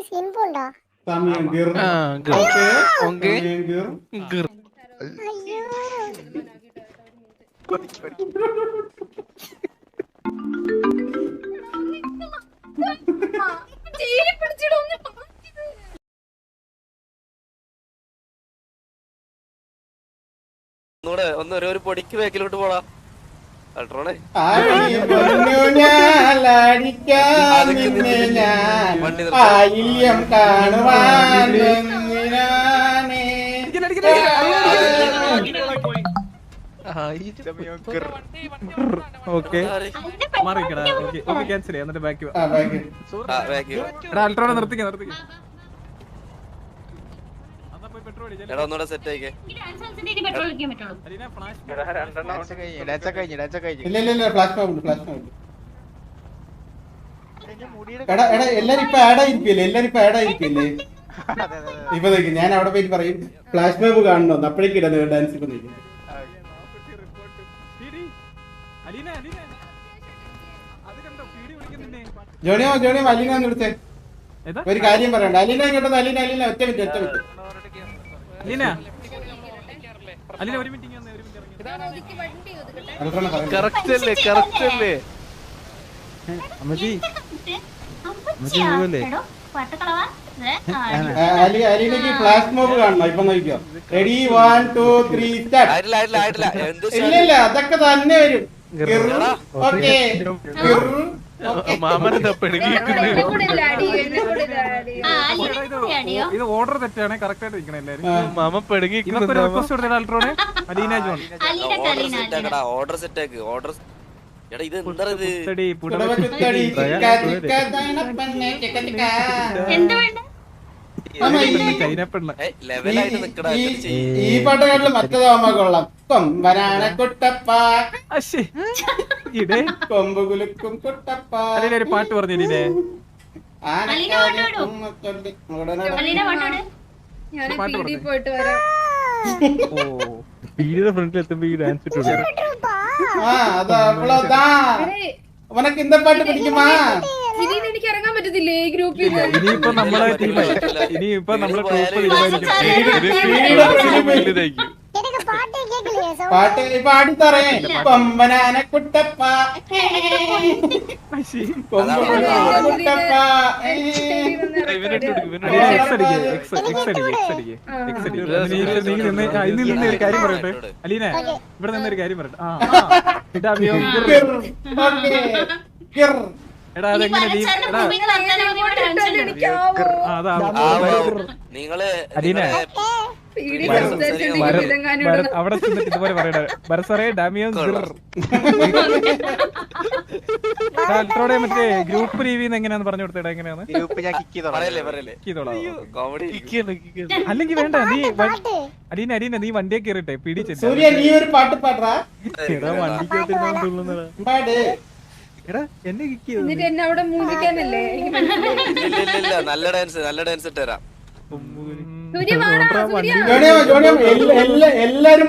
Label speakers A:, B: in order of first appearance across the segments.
A: സമയം ഗിർ. ഓക്കേ സമയം ഗിർ.
B: ഒരു പൊടിക്ക് ബാക്കിലോട്ട് പോടാ അൾട്രോണേ.
A: ആയില്യം കാണുവാൻ
C: അൾട്രോണെ നിർത്തിക്ക
B: ഒന്നുകൂടെ സെറ്റ് ആയിക്കേ.
A: എല്ലാരും ഇപ്പൊ ആഡായിരിക്കല്ലേ ഇപ്പൊ നോക്കി ഞാൻ അവിടെ പോയിട്ട് പറയും ഫ്ലാഷ് ബാബ് കാണണോ അപ്പോഴേക്കും ഇടാ ഡാൻസ്. ഇപ്പൊ നോക്കി ജോണിയോ അലീന വിളിച്ചേ ഒരു കാര്യം പറയണ്ട. അലീന ഇങ്ങോട്ട് അലീന ഒറ്റ മിനിറ്റ് അലീനക്ക് ഫ്ലാഷ് മോബ് കാണണം. ഇപ്പൊ നോക്കിയോ. Ready 1 2 3 start. ഇല്ല അതൊക്കെ തന്നെ വരും.
C: ഇത് ഓർഡർ തെറ്റാണ്. കറക്റ്റ് ആയിട്ട് ഇരിക്കണം എല്ലാരും. മാമ പെടുങ്ങി റിക്വസ്റ്റ് കൊടുത്ത അൾട്രോണെ അലീന ജോൺ
B: ഓർഡർ സെറ്റ് ആക്ക്. ഓർഡർ എടാ ഇത് എന്താ
A: ഈ പാട്ടുകാരില് മറ്റേതാവുമ്പോ കൊള്ളാം. കൊമ്പനാന കുട്ടപ്പ കൊമ്പ് കുലുക്കും കുട്ടപ്പ.
C: ഒരു പാട്ട് പറഞ്ഞില്ലേ ഫ്രണ്ടിൽ എത്തുമ്പോ ഈ ഡാൻസ് ഇട്ടു.
A: ഉനക്ക് இந்த പാട്ട് പിടിക്കുമാ?
D: എനിക്ക് ഇറങ്ങാൻ പറ്റത്തില്ലേ ഈ ഗ്രൂപ്പിൽ?
C: ഇനിയിപ്പോ നമ്മളെ ടീമായി. ഇനിയിപ്പോ നമ്മളെ ഗ്രൂപ്പ് തീരുമാനിക്കും.
A: പാട്ട് പാടിത്തറേ കൊമ്പനാന കുട്ടപ്പ കുട്ടപ്പ.
C: ഒരു കാര്യം പറയട്ടെ അലീന, ഇവിടെ നിന്നൊരു കാര്യം പറയട്ടെ. എടാ അതെങ്ങനെ
B: നിങ്ങള്
C: അലീന അവിടെ ചെന്നിട്ട് ഇതുപോലെ പറയട്ടെ. ബർസറേ ഡാമിയോ അൾട്രോടെ മറ്റേ ഗ്രൂപ്പ് റിവ്യൂ എങ്ങനെയാന്ന് പറഞ്ഞു കൊടുത്തേടാ. എങ്ങനെയാണ് അല്ലെങ്കിൽ വേണ്ട നീ അലീന നീ വണ്ടിയെ കയറിട്ടെ പിടിച്ചെടാ. എടാ എന്നെ കിക്ക് ചെയ്തു.
D: എന്നെ അവിടെ മൂന്നിക്കാനല്ലേ?
B: നല്ല ഡാൻസ് ഇട്ടുതരാം.
A: എല്ലാരും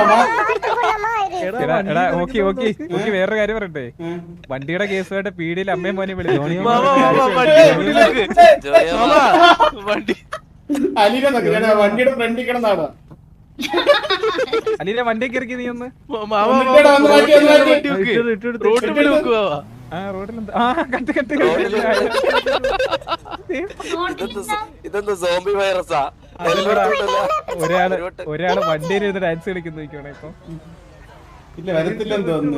C: വേറൊരു കാര്യം പറയട്ടെ. വണ്ടിയുടെ കേസുമായിട്ട് പീടിയിൽ അമ്മയും മോനെ വിളിച്ചു.
A: വണ്ടിയുടെ ഫ്രണ്ടിൽ കിടന്നാണോ
C: അലീന വണ്ടിയൊക്കെ ഇറക്കി നീ ഒന്ന് ഒരാള് വണ്ടിയിൽ ഇരുന്ന് ഡാൻസ് കളിക്കുന്നു നോക്കിയോണെ. ഇപ്പൊ
A: ഇല്ല വരത്തില്ലെന്ന് തോന്നുന്നു.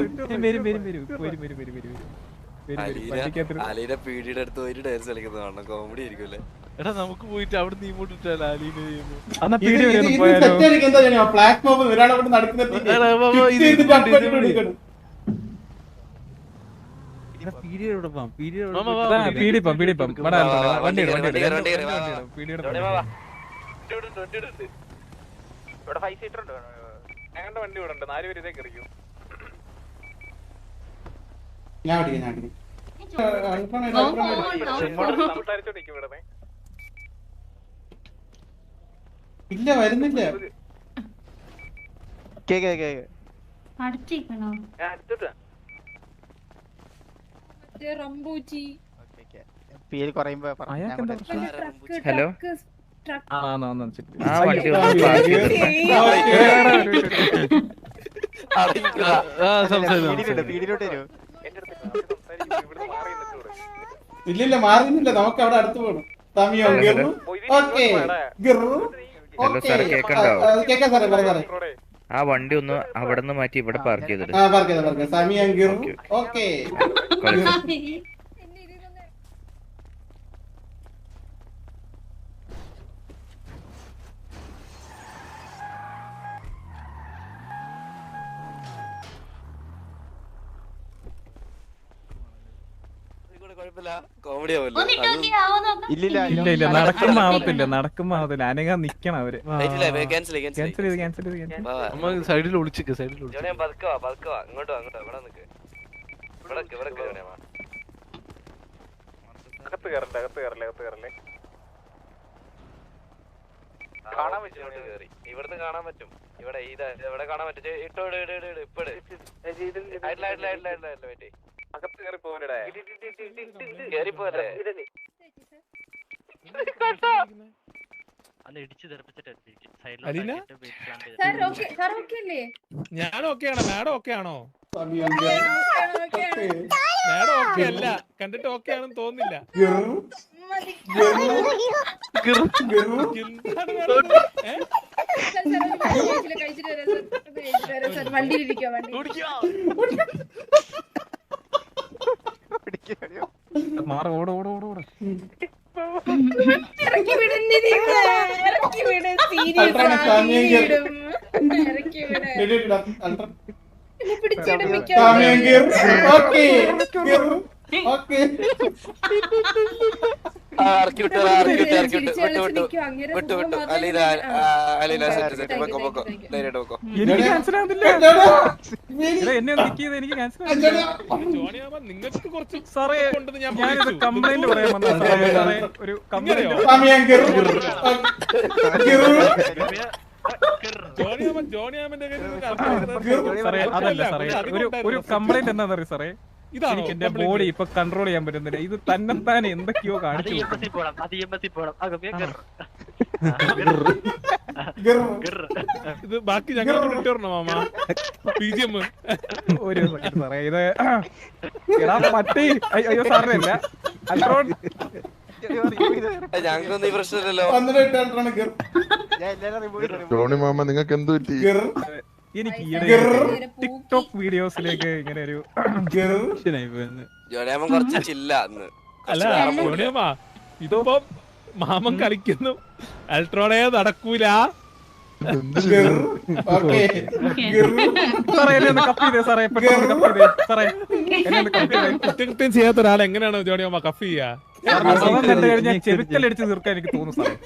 B: അലീന പീടിയുടെ അടുത്ത് പോയിട്ട് ഡാൻസ് കളിക്കുന്നത് കാണണം. കോമഡി ആയിരിക്കുമല്ലേ?
C: എടാ നമുക്ക് പോയിട്ട് അവിടെ നീ ഇങ്ങോട്ടിട്ടല്ല അലീന ഞങ്ങളുടെ വണ്ടി ഇവിടെ ഉണ്ട്. 4 പേര് ഇതേ കയറിക്കും.
A: ഇല്ല വരുന്നില്ല.
E: പേര് കുറയുമ്പോ
C: അയാൾക്കെന്താ പ്രശ്നം?
F: ഹലോ
C: ആ
F: വണ്ടി ഒന്ന് പാർക്ക്
E: പീടിയിലോട്ട് വരൂ.
A: ഇല്ലില്ല മാറുന്നില്ല, നമുക്ക് അവിടെ അടുത്ത് പോകണം. സമയം ഗിറു. ഓക്കേ ഗിറു.
F: ഹലോ സാറേ, കേൾക്കണ്ടാവോ?
A: കേൾക്കാം സാറേ, പറയാം സാറേ.
F: ആ വണ്ടി ഒന്ന് അവിടെ നിന്ന് മാറ്റി ഇവിടെ പാർക്ക് ചെയ്തിട്ട്.
A: ആ പാർക്ക് ചെയ്ത സമയം ഗിറു. ഓക്കേ
B: കോമഡി
C: ഇല്ല നടക്കുമ്പോ ആവത്തില്ല അനങ്ങാൻ നിക്കണം അവര്. സൈഡിൽ ഒളിച്ചിക്ക്
B: ഇങ്ങോട്ട് ഇവിടുന്ന് കാണാൻ പറ്റും. ഇവിടെ ഇവിടെ കാണാൻ പറ്റും. ഇട്ടോ ഇപ്പഴ് കേറിപ്പോല്ലേ
C: ഞാൻ ഓക്കെയാണോ? മാഡം ഓക്കെയാണോ?
A: സമയം ഗിറു.
C: മാഡം ഓക്കെ അല്ല, കണ്ടിട്ട് ഓക്കെ ആണെന്ന് തോന്നുന്നില്ല.
D: വണ്ടിയിലിരിക്കോ
C: മാറ ഓട
D: ഇറക്കി വിടുന്നില്ല, ഇറക്കി വിട്. പിടിച്ചെടുപ്പിക്കാൻ
A: സമയം ഗിറു. ഓക്കേ ഗിറു. ഓക്കേ
B: ഇറക്കി വിട്ടു അലീല സെറ്റ് വെക്കോ ധൈര്യമായിട്ട് വെക്കോ.
C: എനിക്ക് മനസ്സിലാവുന്നില്ല. എന്നെ എനിക്ക് മനസ്സിലാവുന്നില്ല.
G: നിങ്ങൾക്ക് കുറച്ച്
C: സാറേ ഞാനിത് കംപ്ലൈന്റ് പറയാൻ വന്ന സാറേ, ഒരു കംപ്ലൈന്റ്.
A: സമയം ഗിറു.
G: ജോണിയാമന്റെ
C: സാറേ അതല്ല സാറേ, ഒരു കംപ്ലൈന്റ് എന്താണെന്ന് അറിയാം സാറേ. എനിക്ക് എന്റെ ബോഡി ഇപ്പൊ കൺട്രോൾ ചെയ്യാൻ പറ്റുന്നില്ല. ഇത് തന്നെത്താനെ എന്തൊക്കെയോ കാണിച്ചു.
G: ഇത് ബാക്കി ഞങ്ങൾ ഇട്ടുവരണോ മാമ? PGM
C: ഒരു സെക്കൻഡ് സാറേ, ഇത് എടാ പട്ടി. അയ്യോ സാറിനെ അല്ല, അൽട്രോൺ.
B: ഞങ്ങൾക്കൊന്നും ഈ പ്രശ്നമില്ലല്ലോ.
H: ജോണി മാമ നിങ്ങൾക്ക് എന്ത് പറ്റി?
C: എനിക്ക് ഈയിടെ ടിക്ടോക്ക് വീഡിയോസിലേക്ക് ഇങ്ങനെ ഒരു
B: ജോണിയാമൻ കുറച്ച് ചില്ല അന്ന്.
G: അല്ല ജോണിയാമ, ഇതിപ്പം മാമൻ കളിക്കുന്നു, അൾട്രോണേ നടക്കൂല. കുറ്റകൃത്യം ചെയ്യാത്ത ഒരാൾ എങ്ങനെയാണ് ജോണിയാമ കഫ് ചെയ്യാ?
C: കണ്ടു കഴിഞ്ഞാൽ ചെവിക്കലടിച്ച് തീർക്കാൻ എനിക്ക് തോന്നുന്നു സാറേ.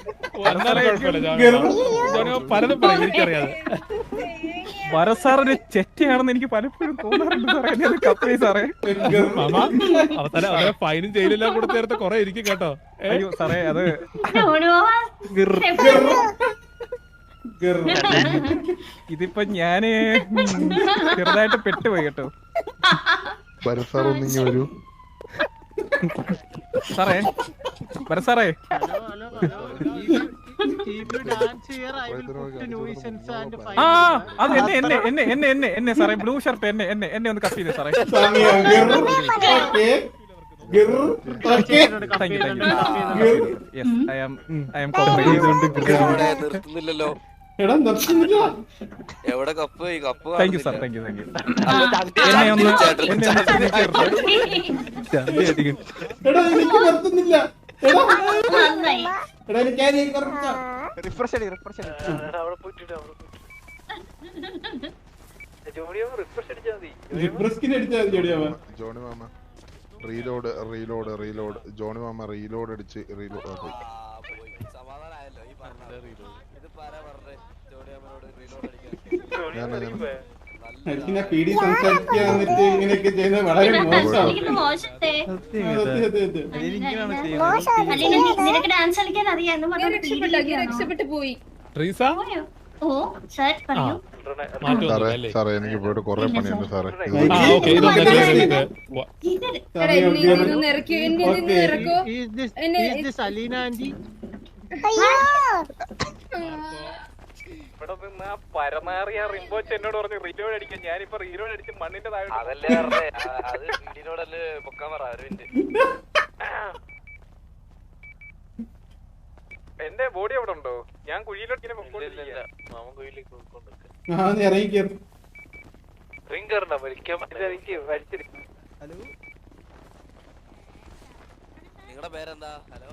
G: ജോണിയാമ പലതും പറയും, എനിക്കറിയാതെ.
C: വരസാറിന് ചെറ്റയാണെന്ന് എനിക്ക് പലപ്പോഴും തോന്നാറുണ്ട് സാറേ. കപ്പി സാറേ.
G: മാമ അവസാനം ഫൈനും ജയിലെല്ലാം കൂടെ ചേർത്ത് കൊറേ ഇരിക്കും കേട്ടോ.
C: അയ്യോ സാറേ, അത് ഇതിപ്പോ ഞാന് ചെറുതായിട്ട് പെട്ടുപോയി കേട്ടോ
H: വരൂ.
C: സാറേ വരസാറേ, ആ അത് എന്നെ സാറേ, ബ്ലൂ ഷർട്ട് എന്നെ ഒന്ന് കട്ട് ചെയ്തേ സാറേ.
B: നിർത്തുന്നില്ലല്ലോ. എവിടെ cup? Cup.
C: Thank you sir, thank you.
H: Johnny മാമ റീലോഡ്. ജോണി മാമ റീലോഡ് അടിച്ച് പോയി.
B: സമാധാനമായല്ലോ ഈ പറഞ്ഞ ഇത് പറയാ പറഞ്ഞേ. ജോണിയാമനോട് റീലോഡ് അടിക്കാൻ
A: ഇങ്ങനെയൊക്കെ ചെയ്യുന്നത് വളരെ മോശമാണ്.
D: രക്ഷപ്പെട്ടു പോയി. ഓ സാർ പറയൂ.
G: മാറ്റമൊന്നുമില്ല
H: സാറേ എനിക്ക് പോയിട്ട് കുറെ പണിയുണ്ട് സാറേ
G: ഓക്കെ ഇതൊന്ന്
D: എടാ, ഇതൊന്ന് ഇറക്കി, എന്നെ ഇതൊന്ന് ഇറക്കോ. എന്നെ
C: ഇവിടെ നിന്ന് ആ പരമാറിയ റിംബോച്ച് എന്നോട് പറഞ്ഞു റീലോഡ് അടിക്കാൻ. ഞാനിപ്പോ റീലോഡ് അടിച്ച് മണ്ണിന്റെ താഴെ
B: അതല്ലേ പറഞ്ഞേ അത് വീടിനോടല്ലേ പൊക്കാൻ പറ അരവിന്ദ്.
C: എന്റെ ബോഡി അവിടെ ഉണ്ടോ? ഞാൻ കുഴിയിലോട്ട് ഇങ്ങനെ
B: ഇല്ല മാമൻ കുഴിയിലേക്ക് പോയിക്കൊണ്ടിരിക്കുക.
A: ഇറങ്ങി കയറി.
B: റിംഗ് കയറണ്ട വലിക്കാൻ നിങ്ങളുടെ പേരെന്താ? ഹലോ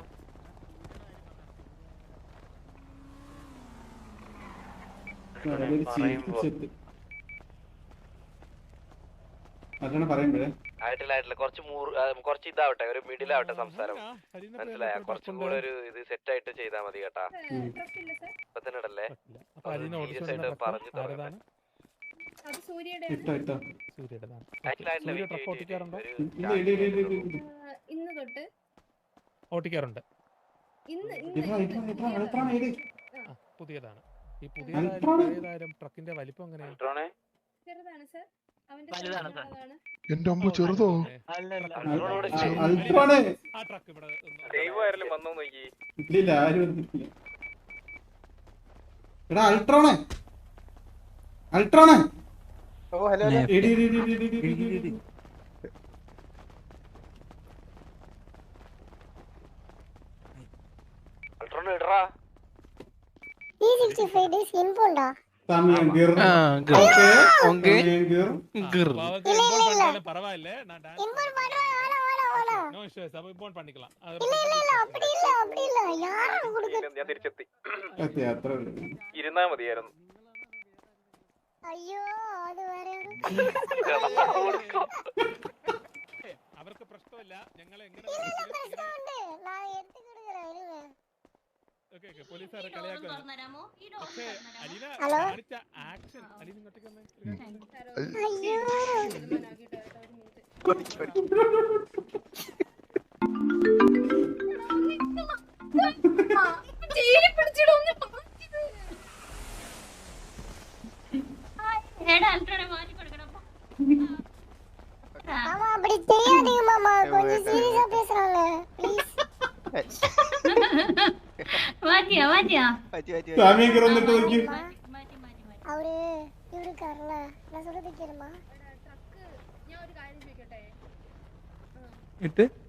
A: പറയുമ്പോഴേ
B: ആയിട്ടില്ല കുറച്ച് ഇതാവട്ടെ, ഒരു മിഡിലാവട്ടെ സംസാരം. മനസ്സിലായ? കുറച്ചും കൂടെ ഒരു ഇത് സെറ്റ് ആയിട്ട് ചെയ്താൽ മതി കേട്ടാ. ഇപ്പൊ തന്നെ ഇടല്ലേ, സീരിയസ് ആയിട്ട് പറഞ്ഞു തുടങ്ങാൻ.
D: അത് സൂര്യയുടെ ഇന്ന് തൊട്ട്
G: ഓട്ടിക്കാറുണ്ട്. പുതിയതാണ്. ഈ പുതിയതായാലും ട്രക്കിന്റെ വലിപ്പം എങ്ങനെയാണ്?
D: ചെറുതാണ് സർ. അവന്റെ
H: എന്റെ അമ്മ ചെറുതോ?
A: അൾട്രോണ്.
G: ആ ട്രക്ക് ഇവിടെ
C: ദൈവമായാലും വന്നോ നോക്കി.
A: ഇല്ലില്ല, ആരും വന്നിട്ടില്ല. എടാ അൾട്രോണ്, അൾട്രോണ്. ഇടി ഇടി ഇടി ഇടി ഇടി ഇടി ഇടി.
B: അൾട്രോൺ ഇടറാ.
A: സമയം ഗിർ. ഓക്കേ ഗിർ.
G: பரவாயில்ல நான் நோ இஷ்யூஸ் அப்ப இம்போர்ட் பண்ணிக்கலாம்.
C: ഞാൻ തിരിച്ചെത്തി.
A: അത്ര
C: ഇരുന്നാ മതിയായിരുന്നു.
G: അവർക്ക് പ്രശ്നമില്ല. ഞങ്ങൾ എങ്ങനെ പോലീസുകാരെ കളിയാക്കുന്നു. പക്ഷേ അലീന കാണിച്ച ആക്ഷൻ, അലീന ഇങ്ങോട്ടേക്ക് വന്നേ.
I: அப்படி தெரியாதீங்க மாமா, கொஞ்சம் சீரியஸா பேசுறாங்க ப்ளீஸ்.
D: വാറ്റിയാ വാറ്റിയാ
A: സമയം ഗിർ വന്നിട്ട് നോക്കി.
I: அவரு இருக்கார்ல, நான் சொல்றது கேளுமா.
D: ഞാൻ ഒരു കാര്യം ചോദിക്കട്ടെ?
C: ഇട്ട്